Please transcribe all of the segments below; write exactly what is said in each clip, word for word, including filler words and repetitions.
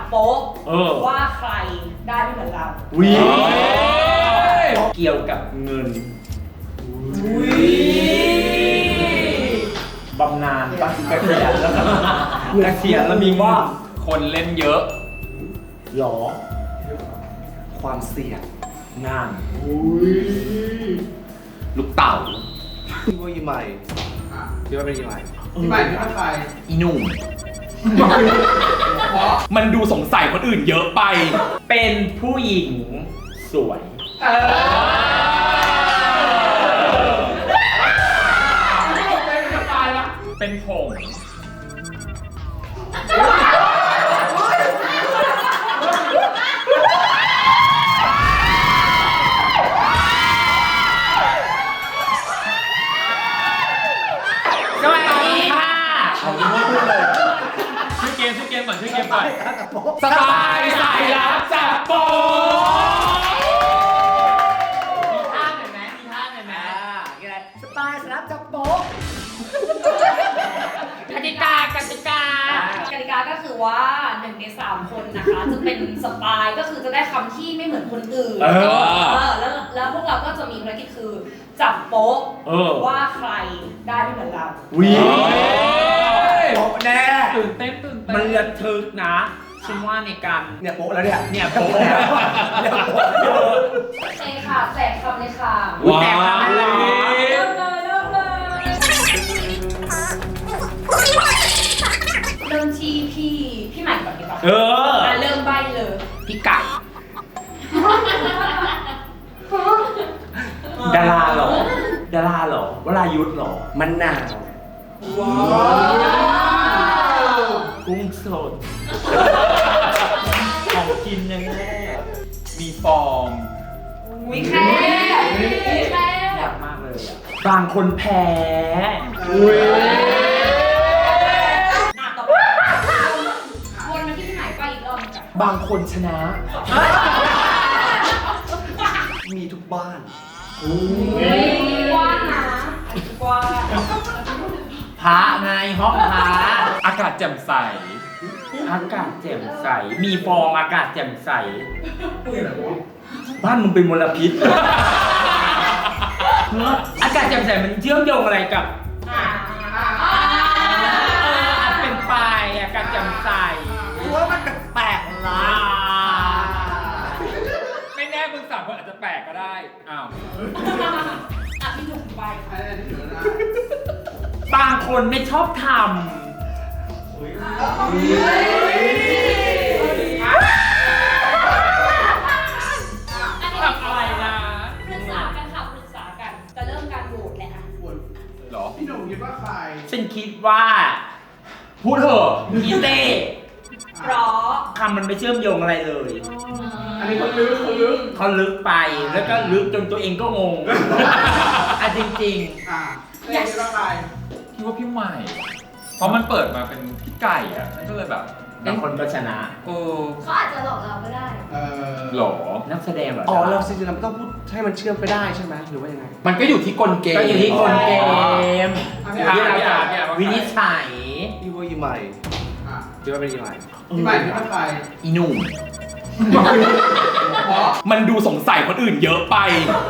โป๊ะว่าใครได้ไม่เหมือนกันวิเกี่ยวกับเงินบำนาญปะเกษียณแล้วเกษียณแล้วมีว่าคนเล่นเยอะหรอความเสี่ยงงานลูกเต่าพี่ว่ายี่ใหม่พี่ว่าเป็นยี่ใหม่ยี่ใหม่พี่ว่าใครอีหนุ่มมันดูสงสัยคนอื่นเยอะไปเป็นผู้หญิงสวยเป็นผงสวัสดีค่ะชื่อเกมชื่อเกมก่อนชื่อเกมก่อนสบายสายลับจับโป๊มีท่าหน่อยไหมมีท่าหน่อยไหมสบายสายลับจับโป๊ะกติกากติกากติกาก็คือว่าหนึ่งในสามคนนะคะจะเป็นสปายก็คือจะได้คำที่ไม่เหมือนคนอื่นเออแล้วแล้วพวกเราก็จะมีภารกิจคือจับโป๊ะว่าใครได้ไม่เหมือนกันวิโป๊ะแน่ตื่นเต้นตื่นเต้นมันระทึกนะฉันว่าในการเนี่ยโป๊ะแล้วเนี่ยเนี่ยโป๊ะแล้วเนี่ยโป๊ะโอเคค่ะแจกคำเลยค่ะแจกคำเลยเริ่มเลยเริ่มเลยเริ่มที่พี่พี่ใหม่ก่อนดีกว่าเออเริ่มใบเลยพี่ไก่ดาราเหรอดาราเหรอวรายุทธเหรอมันหนาวว้าวกุ้งสดของกินยังแน่มีฟอร์มวิแค่วิแค่อยากมากเลยอ่ะบางคนแพ้อุ้ยหน้าต่อไปวนมาที่พี่ใหม่ไปอีกรอบนึงบางคนชนะมีทุกบ้านกว้างนะกว้างพระไงห้องพระอากาศแจ่มใสอากาศแจ่มใสมีฟองอากาศแจ่มใสบ้านมึงเป็นมลพิษอากาศแจ่มใสมันเชื่อมโยงอะไรกับเอออาจเป็นปลายอากาศแจ่มใสว่ามันแปลกๆนะไม่แน่มึงสามคนอาจจะแปลกก็ได้อ้าวอ่ะพี่หนุ่มไปบางคนไม่ชอบทำทำอะไรนะปรึกษากันค่ะปรึกษากันจะเริ่มการโหวตแล้วหรอพี่หนุ่มคิดว่าใครฉันคิดว่าพูดเถอะอีเต้เพราะคำมันไม่เชื่อมโยงอะไรเลยอันนี้เขาลึกเขาลึกเขาลึกไปแล้วก็ลึกจนตัวเองก็งงอ่ะจริงๆอ่ะอยากคิดว่าใครคิดว่าพี่ใหม่เพราะมันเปิดมาเป็นพี่ไก่อ่ะนั่นก็เลยแบบบางคนก็ชนะโอ้เขาอาจจะหลอกเราก็ได้เออหรอนักแสดงเหรออ๋อเราจริงๆเราต้องพูดให้มันเชื่อมไปได้ใช่ไหมหรือว่ายังไงมันก็อยู่ที่กลเกมก็อยู่ที่กลเกมที่เราจะวินิจฉัยพี่ว่ายี่ใหม่พี่ว่าเป็นยี่ใหม่ยี่ใหม่พี่ว่าใครอีหนุ่มมันดูสงสัยคนอื่นเยอะไป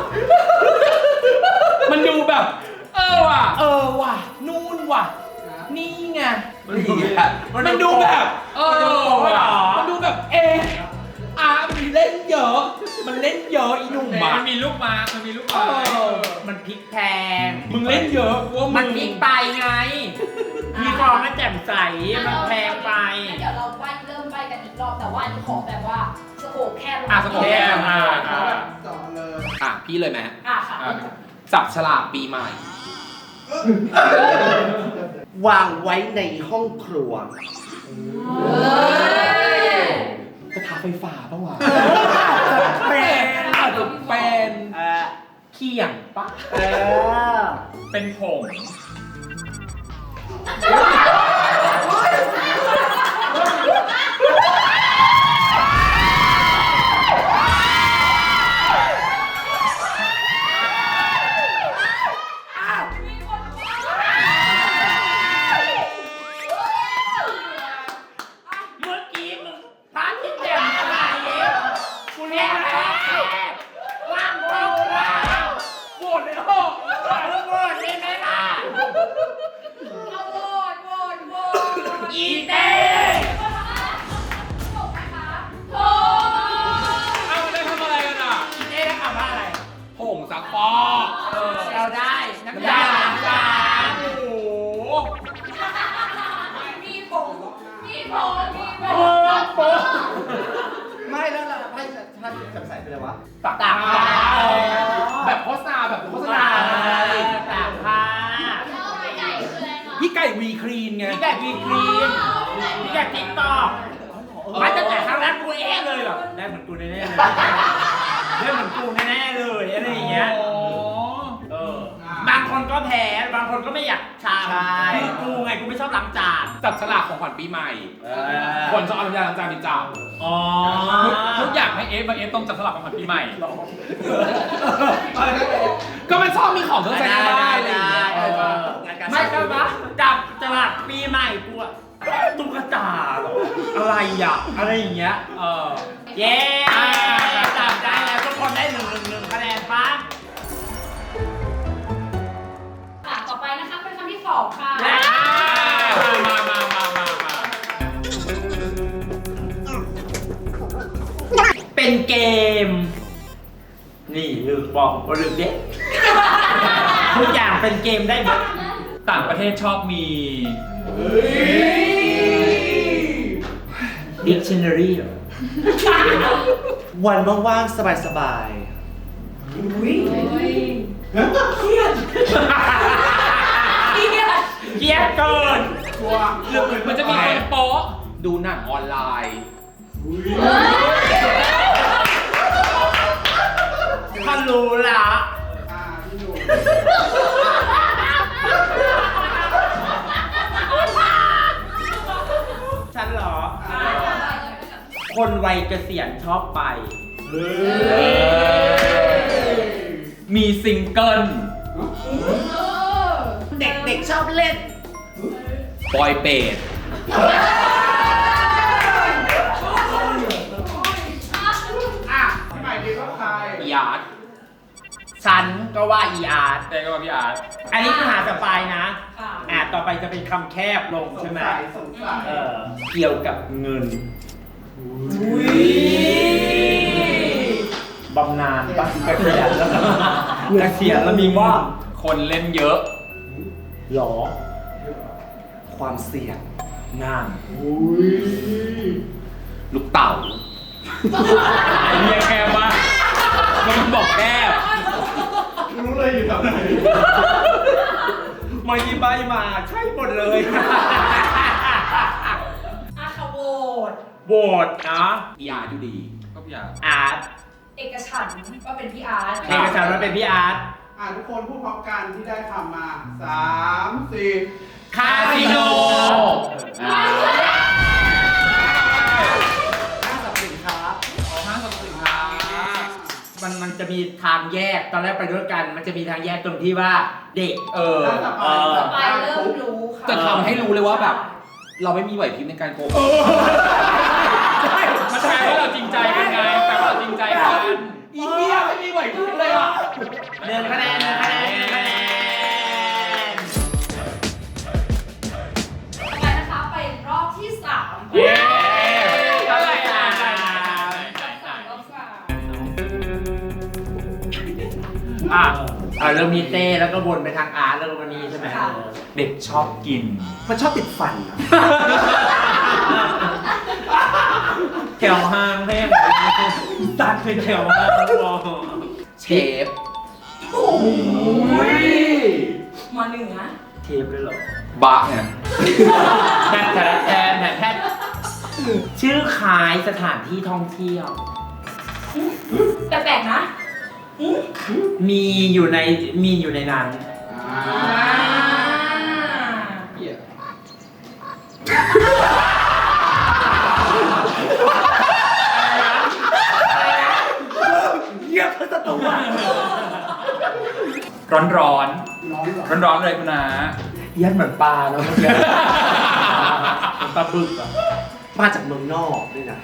มันดูแบบเออว่ะเออว่ะนู่นว่ะนี่ไงมันดูแบบเออว่ะมันดูแบบเอออ่ะมันเล่นเยอะมันเล่นเยอะอีหนุ่มมันมีลูกมามันมีลูกมามันพลิกแพงมึงเล่นเยอะว่ามันพลิกไปไงมีฟองมันแจ่มใสมันแพงไปเดี๋ยวเราไปเริ่มไปกันอีกรอบแต่ว่าอันนี้ขอแบบว่าสโคปแคบอ่ะสโคปแคบอ่ะต่อเลยอ่ะพี่เลยไหมอ่ะค่ะจับฉลากปีใหม่วางไว้ในห้องครัวกระทะไฟฟ้าป่ะวะเป็นอาจจะเป็นเขียงปะเป็นผงเมื่อกี้มึงพลาดาจับใส่ไปเลยวะตักตากผ้าแบบโฆษณาแบบโฆษณาตากผ้าพี่ไก่วีครีนไงพี่แกวีครีมพี่แกติ๊กต็อกมาตั้งแต่ครั้งแรกกูเองเลยแบบได้เหมือนกูแน่ๆเลยได้เหมือนกูแน่ๆเลยอะไรอย่างเงี้ยเออบางคนก็แพ้บางคนก็ไม่อยากชามคือกูไงกูไม่ชอบล้างจานจับฉลากของขวัญปีใหม่ คนชอบเอาน้ำยาล้างจานเป็นจับอ๋อทุกอย่างให้เอฟมาเอฟต้องจับฉลากของขวัญปีใหม่ ก็มันชอบมีของเครื่องใช้ในบ้านอะไรอย่างเงี้ยไม่ก็ว่าจับฉลากปีใหม่กูอะตุ๊กตาเหรออะไรอ่ะอะไรอย่างเงี้ยเออเย้จับได้แล้วทุกคนได้หนึ่งหนึ่งหนึ่งคะแนนปะค่ะต่อไปนะคะเป็นคำที่สองค่ะมามามามามาเป็นเกม นี่ลืมบอกว่าลืมเด็กทุกอย่างเป็นเกมได้หมดต่างประเทศชอบมี Dictionary เหรอวันว่างๆสบายเครียดเกลียดเกินชัวร์หรือมันจะมีคนโป๊ะดูหนังออนไลน์ถ้ารู้ละอ่าพี่หนูฉันเหรอ คนวัยเกษียณชอบไปมีซิงเกิลเด็กๆชอบเล่นบอยเปดอ่ะพี่ใหม่คิดว่าใครยาร์ดฉันก็ว่าอีอาร์ตแต่ก็ว่าพี่อาร์ตอันนี้คือหาสปายนะค่ะอ่าต่อไปจะเป็นคำแคบลงสใช่งไหมสัยสงสัยเออเกี่ยวกับเงินบำนาญปะเกษียณแล้วเกษียณแล้วมีว่าคนเล่นเยอะหรอๆ ความเสี่ยงงานลูกเต่าไอเรียแคบมากมันบอกแคบรู้เลยอยู่แถวไหนมายีใบมาใช่หมดเลยอาคาโวตโหวตนะพี่อาร์ตอยู่ดีก็พี่อาร์ตอาร์ตเอกฉันท์ว่าเป็นพี่อาร์ตเอกสารมันเป็นพี่อาร์ตอ่าทุกคนพูดพร้อมกันที่ได้คำมาสามสี่คาสิโนอ่าห้างสรรพสินค้าห้างสรรพสินค้ามันมันจะมีทางแยกตอนแรกไปด้วยกัน มันจะมีทางแยกตรงที่ว่าเด็กเออถ้าสเออปายไปเริ่มรู้ค่ะจะทำให้รู้เลยว่าแบบ เราไม่มีไหวพริบในการโกหกใช่มันแปลว่าเราจริงใจกันไงแปลว่าเราจริงใจกันอีเหี้ยไม่มีไหวพริบเลยอ่ะหนึ่งคะแนนหนึ่งคะแนนหนึ่งคะแนนต่อไปนะคะเป็นรอบที่สามเย้เท่าไหร่อ่ะสามรอบสามอ่ะอ่ะเริ่มมีเต้แล้วก็วนไปทางอาร์ตแล้วก็วันนี้ใช่ไหมค่ะเด็กชอบกินมันชอบติดฟันอะแถวห้างแม่งตัดเป็นแถวห้างวอเชฟมาเหนือเทปเลยเหรอบะเนี่ยแทนแทนแทนแทนแทนชื่อคล้ายสถานที่ท่องเที่ยวแต่แปลกนะมีอยู่ในมีอยู่ในนั้นอ่าอ่าเหี้ยเยี่ยมสตูอ่ะร้อนร้อนร้อนเหรอร้อนร้อนๆเลยคุณนายัดเหมือนปลาเนาะเมื่อกี้เหมือนปลาบึกอ่ะมาจากเมืองนอกด้วยนะ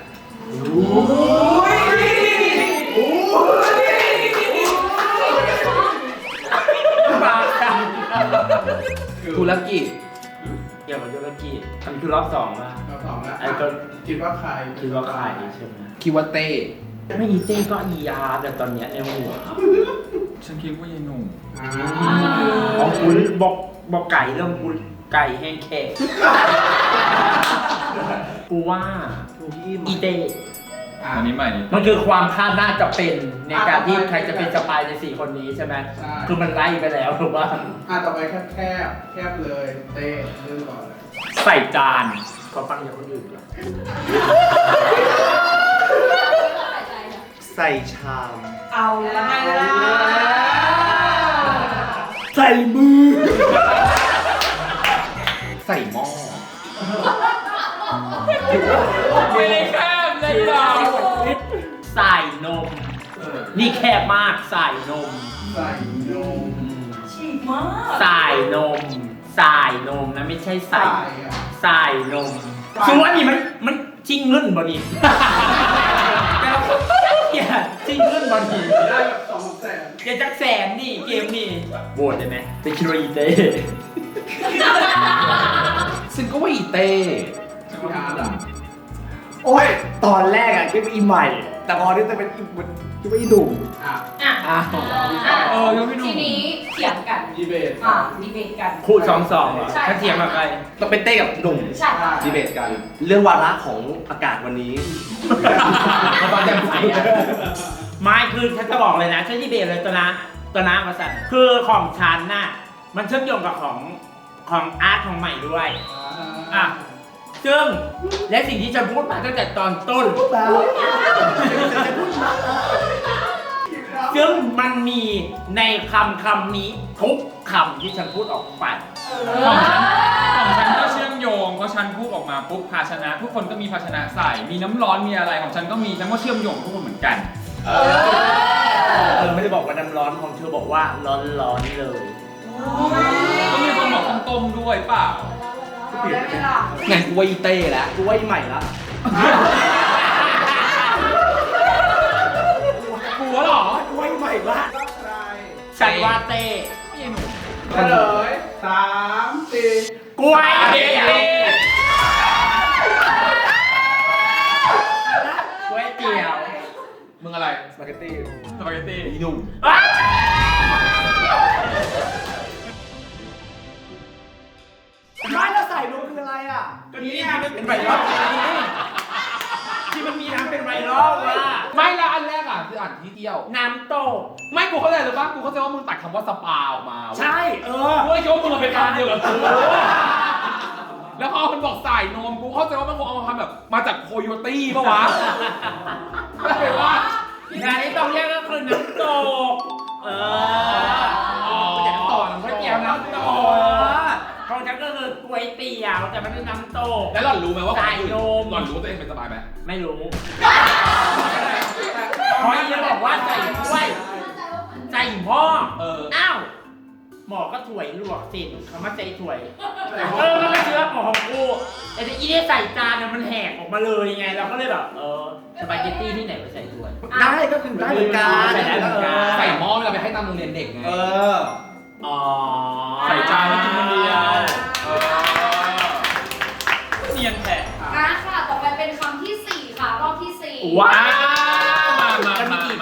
ปลาดังธุรกิจเกี่ยวกับธุรกิจอันนคือรอบสองอ่ะเราสองแล้วไอ้ก็คิดว่าใครคิดว่าใครใช่ไหมคิดว่าเต้ไม่อีเต้ก็อีอาร์แต่ตอนเนี้ยในหัวฉันคิดว่ายายหนุ่มอ่าของคุณบอกบอกไก่เรื่องคุณไก่แห้งแขกกูว่าทูที่อีเต้ออันนี้ใหม่นี่มันคือความคาดน่าจะเป็นในการที่ใครจะเป็นสปายในสี่คนนี้ใช่ไหมใช่คือมันไล่ไปแล้วถูกป่ะอ่ะต่อไปแคบแคบแคบเลยเต้เรื่องก่อนเลยใส่จานขอฟังอย่างคนอื่นก่อนใส่ชามเอาละไงล่ะใส่มือใส่หม้อไม่ได้แคบเลยหรอใส่นม นี่แคบมากใส่นมใส่นมฉีกมากใส่นมใส่นมนะไม่ใช่ใส่ใส่อ่ะใส่นมคือว่านี่มันมันจริงเงินบ่นี่อย่าจริงเงินบ่นี่ได้แบบสองแสนอย่าจักแสนนี่เกมนี่โหวตได้ไหมเป็นคิโรอีเต้ซึ่งก็ว่าอีเต้พี่อาร์ตอ่ะโอ้ย ตอนแรกอะคิดว่าอีใหม่ แต่พอที่จะเป็นอีมันคิดว่าอีดุ่มอ่ะอ่ะอ้าวเออยังไม่ดูทีนี้เถียงกันดีเบตอ่ะดีเบตกันคู่สองสองเหรอใช่ถ้าเทียมกับใครต้องเป็นเต้กับหนุ่มใช่ดีเบตกัน เรื่องวาระของอากาศวันนี้เขาตอนแจ่มใสอะไม่คือฉันจะบอกเลยนะฉันที่เบรเลยตัวนะตัวนะมาสั่นคือของฉันน่ะมันเชื่อมโยงกับของของอาร์ตของใหม่ด้วยอ่ะซึ่งและสิ่งที่ฉันพูดมาตั้งแต่ตอนต้น ซึ่งมันมีในคำคำนี้ทุกคำที่ฉันพูดออกไปของฉันของฉันก็เชื่อมโยงเพราะฉันพูดออกมาปุ๊บภาชนะ ทุกคนก็มีภาชนะใส่มีน้ำร้อนมีอะไรของฉันก็มีฉันก็เชื่อมโยงทุกคนเหมือนกันเออไม่ได้บอกว่าน้ำร้อนของเธอบอกว่าร้อนร้อนๆเลยก็มีคนบอกต้มๆด้วยเปล่าเอาได้ไหมล่ะงั้นกูว่าอีเต้แล้วกูว่าอีใหม่ละกลัวเหรอกูว่าอีใหม่ละก็ใครฉันว่าเต้ไม่ใช่หนูเฉลยสามสี่กล้วยเตี๋ยวกล้วยเตี๋ยวมึงอะไรสปาเกตตี้สปาเกตตี้อีหนุ่มอ้าวไม่แล้วใส่นมคืออะไรอ่ะก็นี่ไงมันเป็นไวรัลที่มันมีน้ำเป็นไวรัลว่ะไม่ละอันแรกอ่ะคืออ่านที่เที่ยวน้ำตกไม่กูเข้าใจหรือปะกูเข้าใจว่ามึงตัดคำว่าสปาออกมาเว้ยใช่ เออกูเลยคิดว่ามึงเป็นคำเดียวกับกูแล้วพอมันบอกสายนมกูเข้าใจว่ามันคงเอามาทำแบบมาจากโคโยตี้ปะวะไม่เลยว่างานนี้ต้องเรียกก็คือน้ำตก เอออ๋อต่อน้ำก๋วยเตี๋ยวน้ำตกของฉันก็คือก๋วยเตี๋ยวแต่มันเป็นน้ำตกแล้วหล่อนรู้ไหมว่าสายนมหล่อนรู้ว่าตัวเองเป็นสปายไหมไม่รู้เพราะยังบอกว่าใส่ถ้วยใส่หม้อเอออ้าว หมอก็ถ้วยลวกสิคำว่าใจถ้วย เออมันก็เชื้อหมอของกูแต่ที่อีเนี่ยใส่จานเนี่ยมันแหกออกมาเลยไง เราก็เลยแบบ เออ สปาเกตตี้ที่ไหนไปใส่ถ้วยได้ก็คือได้เหมือนกันใส่ได้เหมือนกันใส่หม้อเวลาไปให้ตามโรงเรียนเด็กไงเอออ๋อใส่จานแล้วกินคนเดียวเออเนียนแท้อ่ะค่ะ ต่อไปเป็นคำที่สี่ค่ะ รอบที่สี่ว้าวมามาจะมีมากี่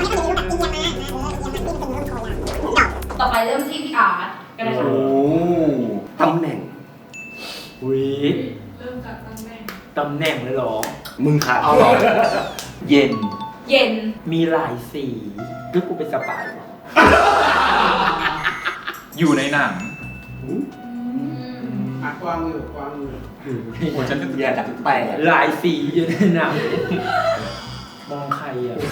ต่อไปเริ่มที่พี่อาร์ตกันเลยค่ะโอ้ตำแหน่งวิเริ่มจากตำแหน่งตำแหน่งเลยเหรอมึงค่ะเอาหรอเย็นเย็นมีหลายสีคือกูเป็นสปายวะอยู่ในหนังอ่ะกวางอยู่กวางอยู่โอ้ฉันจะอย่าดักแปลกหลายสีอยู่ในหนังมองใครอ่ะ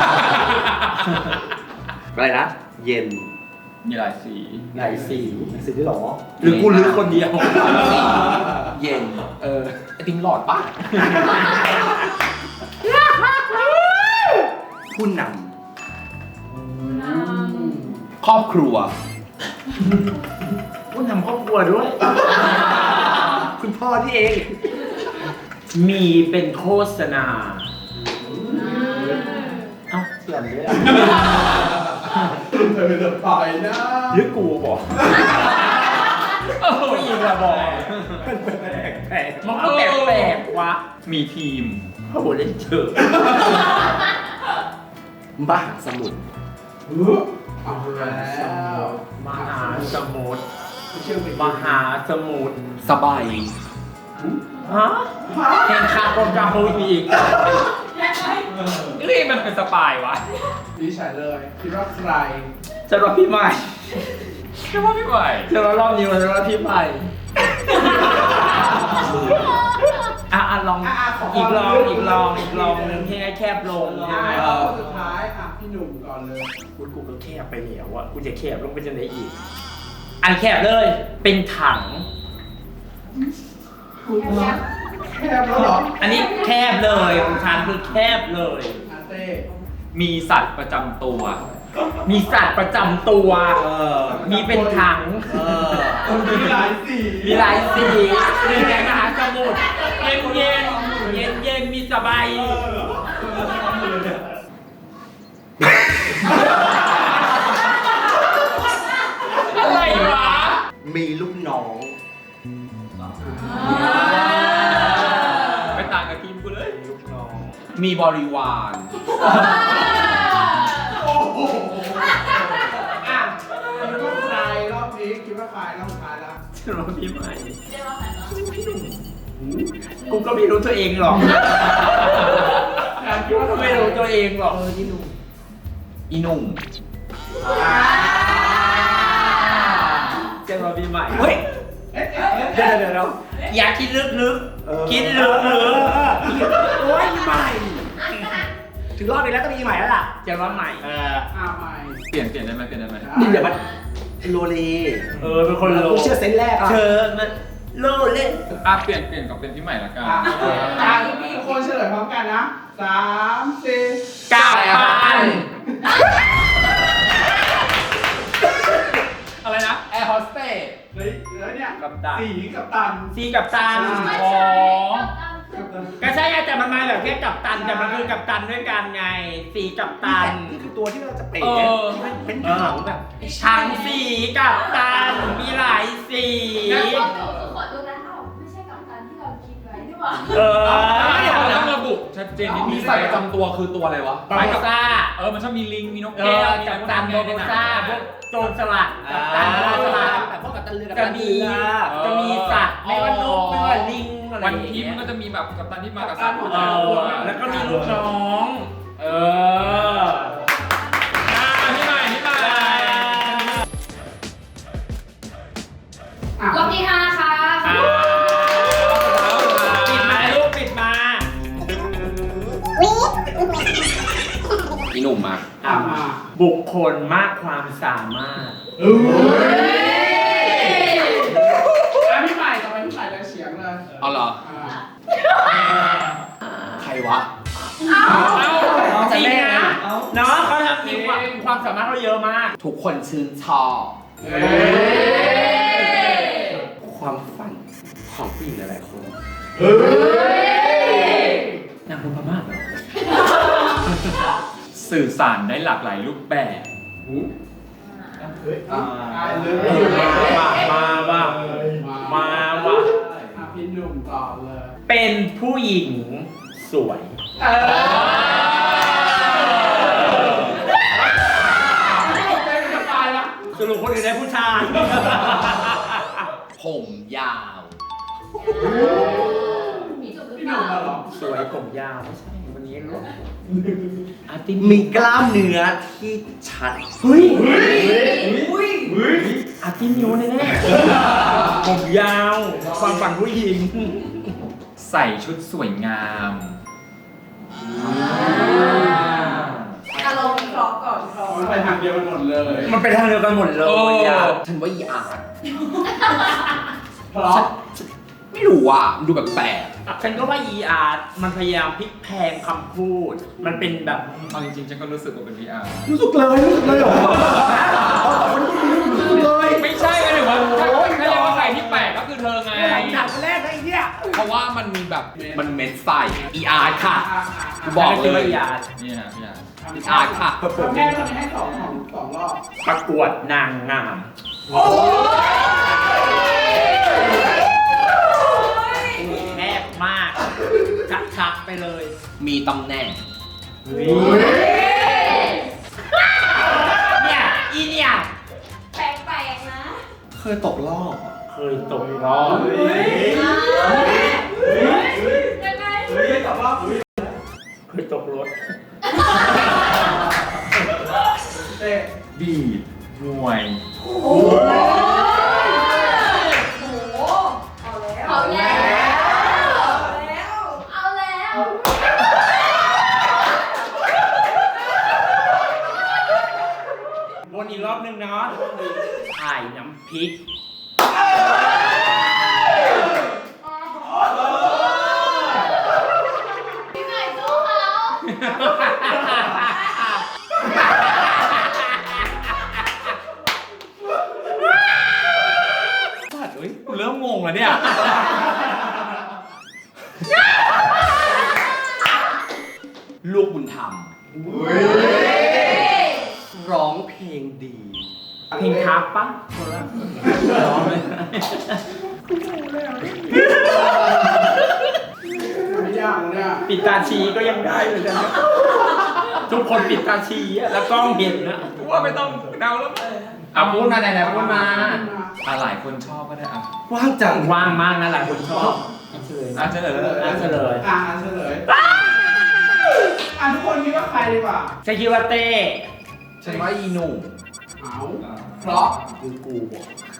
อะไรนะ เย็นมีหลายสีหลายสีสิ่งที่หรอหรือกูลึกคนเดียวเย็นเออไอติมหลอดปะผู้นน้ำครอบครัวกูทำครอบครัวด้วยคุณพ่อที่เองมีเป็นโฆษณา เอ้าเสื่อมด้วยอ่ะเธอจะไปนะหรือกูบอกผู้หญิงอะบอกมันก็แปลกๆวะมีทีมโอ้โหเล่นเชิงมหาสมุทรเอาแล้วมหาสมุทรเชื่อมไปมหาสมุทรสบายฮะเพลงคาร์บอนกาโฮอีกำนี่มันเป็นสปายวะดีฉันเลย คิดว่าใครจะรอพี่ใหม่แค่ว่าพี่ใหม่จะรอรอบนี้มันจะรอพี่ใหม่อ่ะอ่ะลองอ่ะอ่ะขออีกลองอีกลองอีกลองหนึ่งให้แคบลงท้ายแล้วคนสุดท้ายอ่ะพี่หนุ่มก่อนเลยกูกูก็แคบไปแล้วอ่ะกูจะแคบลงไปจะไหนอีกอันแคบเลยเป็นถังแคบแล้วเหรออันนี้แคบเลยของฉันคือแคบเลยอาเต้มีสัตว์ประจำตัวมีสัตว์ประจำตัวเออมีเป็นถังเออมีหลายสีมีหลายสีมีแดงมหาสมุทรเย็นเย็นเย็นเย็นมีสบายอะไรวะมีลูกน้องไม่ต่างกับทีมกูเลยลูกน้องมีบริวารโอ้โหอ่ะคิดว่าใครรอบนี้คิดว่าใครรอบสุดท้ายแล้วจะรอพี่ใหม่กูก็ไม่รู้ตัวเองหรอกคิดว่าทำไมไม่รู้ตัวเองหรอกเออที่หนุ่มอีหนุ่มจะรอพี่ใหม่เฮ้ยเอ๊ะเอ๊ะเอ๊ะเดี๋ยวเดี๋ยวเดี๋ยวอยากคิดลึกๆคิดลึกๆโอ้ยใหม่ถึงรอบนี้แล้วก็มีใหม่แล้วล่ะจะว่าใหม่เอออ่ะใหม่เปลี่ยนเปลี่ยนได้ไหมเปลี่ยนได้ไหมนี่เดี๋ยวมันโลเลเออเป็นคนโลกูเชื่อเซนส์แรกอ่ะเธอมันโลเลอ่ะเปลี่ยนเปลี่ยนกับเป็นพี่ใหม่ละกันอ่ะอ่ะทุกคนเฉลยพร้อมกันนะสามสี่กาปันอะไรนะแอร์โฮสเตสเฮ้ยแล้วเนี่ยกับตันสีกับตันซีกับตันอ๋อกับตันก็ใช่ไงแต่มันมาแบบแค่กับตันแต่มันคือกับตันด้วยกันไงสีกับตันนี่คือตัวที่เราจะเป๋เออเป็นถังแบบช้างสีกับตันมีหลายสีขอดูนะเอ้าไม่ใช่กับการที่เราคิดไว้นี่หว่าเออเราต้องระบุชัดเจนนิดนึมีงสัตว์ประจำตัวคือตัวอะไรวะบาโบซ่าเออมันชอบมีลิงมีนกเอแก้อวมีกัอะบไรพวกตันนั้นโบในโบหนังซ่าพวกโจรสลัดกับตันโจรสลัดแต่พวกกับตันเรือกับจะตันมีเรือจะมีสัตว์ไม่ว่านกไม่ว่าลิงอะไรวันอย่างทิพเงี้ย์ยมันก็จะมีแบบกัปตันที่มากับสัตว์เออแล้วก็มีลูกน้อง เอออ่ะพี่ใหม่พี่ใหม่อ่ะรอบที่ห้าค่ะอ่าปิดมาลูกปิดมาอีหนุ่มมาอ่ะมาบุคคลมากความสามารถเอ้ยอ่ะพี่ใหม่ต่อไปพี่ใหม่เลยเฉียงเลยเอาเหรออ่าใครวะจริงนะเนาะเขาทำมีความความสามารถเขาเยอะมากทุกคนชื่นชอบเฮ้ยความฝันของผู้หญิงหลายๆคนเฮ้ยนางบุญพม่าเหรอสื่อสารได้หลากหลายรูปแบบเฮ้ยอ่ะอ่ะเริ่มมามามามาว่ะอ่ะพี่หนุ่มต่อเลยเป็นผู้หญิงสวยเออเป็นสไตล์ละสรุปคนอื่นได้ผู้ชายผมยาวมีจุดหรือพี่หเปนุ่มล่ามาเหรอสวยผมยาวไม่ใช่วันนี้รู้อาร์ติมีกล้ามเนื้อที่ชัดเฮ้ยเฮ้ยเฮ้ยอาร์ติมิวแน่ๆผมยาว ความฝันผู้หญิงใส่ชุดสวยงามอารมณ์วิเคราะห์ก่อนวิเคราะห์มันไปทางเดียวกันหมดเลยมันไปทางเดียวกันหมดเลยโอ้อ่ะฉันว่าอีอาร์ตเพราะไม่รู้อ่ะมันดูแบบแปลกฉันก็ว่า อี อาร์ มันพยายามพลิกแพลงคำพูด มันเป็นแบบเอาจริงๆฉันก็รู้สึกว่าเป็น วี อาร์รู้สึกเลยรู้สึกเลยเหรอรู้สึกเลยไม่ใช่หมายถึงว่าถ้าถ้าเรียกว่าใครที่แปลกก็คือเธอไงหนักคนแรกนะไอ้เนี่ยเพราะว่ามันมีแบบมันเม็ดใส่อีอาร์ค่ะอ่ะกูบอกฉันเลว่าย อีอาร์นี่ฮะพี่อาร์อีอาร์ค่ะอ่ะแม่ตอนนี้ให้สองของสองรอบประกวดนางงาม แคบมาก ชักๆไปเลยมีตำแหน่งเนี่ย อีเนี่ยแปลกๆนะเคยตกรอบอะเคยตกรอบยังไงเฮ้ยตอบรอบเคยตกรถบีดมวยโอ้โหโอ้โหเอาแล้วเอาแล้วเอาแล้วเอาแล้ววนอีกรอบนึงเนาะถ่ายน้ำพริกพี่ใหม่สู้เขาสัตว์เอ้ยกูเริ่มงงแล้วเนี่ยลูกบุญธรรม ร้องเพลงดีเพลงทับปะ ร้องเลยไม่ยากเนี่ยปิดตาชีก็ยังได้เลยนะทุกคนปิดตาชีอะแล้วกล้องเห็นนะกูว่าไม่ต้องเดาแล้วอ่ะพูดมาไหนๆพูดมาอ่ะหลายคนชอบก็ได้อ่ะว่างจังว่างมากนะหลายคนชอบเฉลยอ่ะเฉลยอ่ะเฉลยอ่าเฉลยอ่ะทุกคนคิดว่าใครดีกว่าฉันคิดว่าเต้ฉันว่าอีหนุ่มเอาเพราะคือกูบอก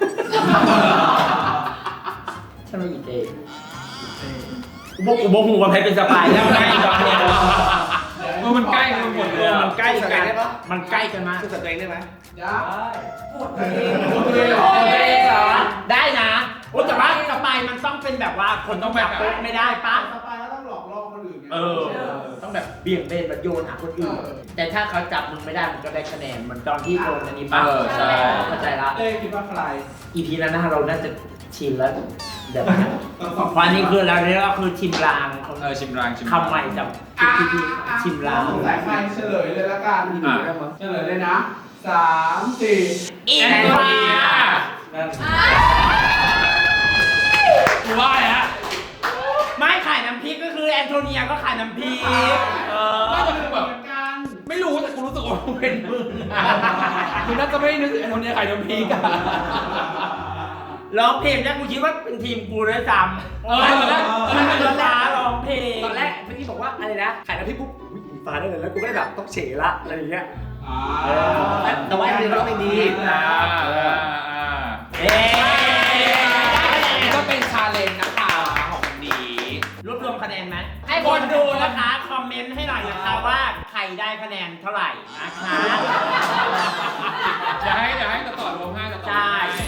ฉันว่าอีเต้กูบอกกูบอกหูว่าใครเป็นสปายแล้วไงตอนเนี้ยเออมันใกล้กันหมดเลยมันใกล้กันมันใกล้กันมากสู้กับตัวเองได้ไหมได้พูดเพลงพูดเพลงโอเคเหรอได้นะโอ้แต่ว่าสปายมันต้องเป็นแบบว่าคนต้องแบบโป๊ะไม่ได้ปะสปายก็ต้องหลอกล่อคนอื่นไงเออ ต้องแบบเบี่ยงเบนแบบโยนหาคนอื่น แต่ถ้าเขาจับมึงไม่ได้มึงก็ได้คะแนนเหมือนตอนที่โดนอันนี้ปะเออใช่เข้าใจละเต้คิดว่าใครอีพีนั้นนะเราน่าจะชินแล้วเดี๋ยวนะต้องสองวันนี้คือเราเนี่ยก็คือชิมลางเออชิมรางชิมรางคำใหม่จากอ่ะพีพีอ่ะชิมลางสงสัยใครเฉลยเลยละกันอ่ะเฉลยเลยนะสามสี่อินแอนโททเนีย กูว่าเลยฮะไม่ขายน้ำพริกก็คือแอนโทเนียก็ขายน้ำพริกเออน่าจะคือแบบเหมือนกันไม่รู้แต่กูรู้สึกว่ามึงเป็นมึงอะมึงน่าจะไม่นึกถึงไอ้คนนี้ใครน้ำพริกอะร้องเพลงแรกกูคิดว่าเป็นทีมกูด้วยซ้ำเออตอนแรกมันเป็นร้านร้องเพลงตอนแรกเมื่อกี้บอกว่าอะไรนะขายน้ำพริกปุ๊บอุ๊ยอิงฟ้าได้เลยแล้วกูก็ได้แบบต้องเฉละอะไรอย่างเงี้ยอ่าเออแต่ว่าอันนี้มันก็ไม่ดีอ่าอ่าอ่าเอ๊ะก็เป็นชาเลนจ์นะคะของวันนี้รวบรวมคะแนนไหมให้คนดูนะคะ คอมเมนต์ให้หน่อยนะคะว่าใครได้คะแนนเท่าไหร่นะคะเดี๋ยวให้เดี๋ยวให้ต่อต่อรวมให้ต่อต่อรวมใช่ให้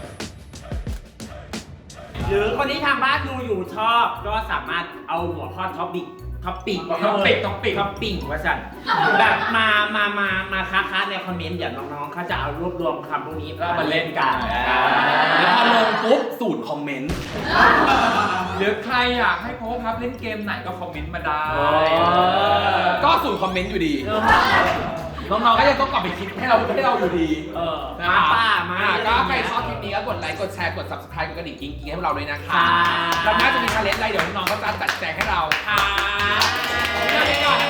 หรือคนที่ทางบ้านดูอยู่ชอบก็สามารถเอาหัวข้อท็อปิกท็อปิกท็อปิกท็อปิกท็อปิกว่าสั่นแบบมามามามาค้าค้าในคอมเมนต์เดี๋ยวน้องๆเขาจะเอารวบรวมคำพวกนี้ก็มาเล่นกันอ่าแล้วพอลงปุ๊บสูตรคอมเมนต์ หรือใครอยากให้โพสครับเล่นเกมไหนก็คอมเมนต์มาได้ ก็สูตรคอมเมนต์อยู่ดี น้องๆก็ยังต้องกลับไปคิดให้เราให้เราอยู่ดีเออนะมาป้ามาอ่ก็ใครชอบคลิปนี้ก็กดไลค์ กดแชร์ กด subscribe กดกระดิ่งกิ๊งๆให้พวกเราด้วยนะคะค่ะเราน่าจะมีชาเลนจ์อะไรเดี๋ยวน้องๆก็จะจัดแจงให้เราค่ะเดี๋ยวก่อนนะคะ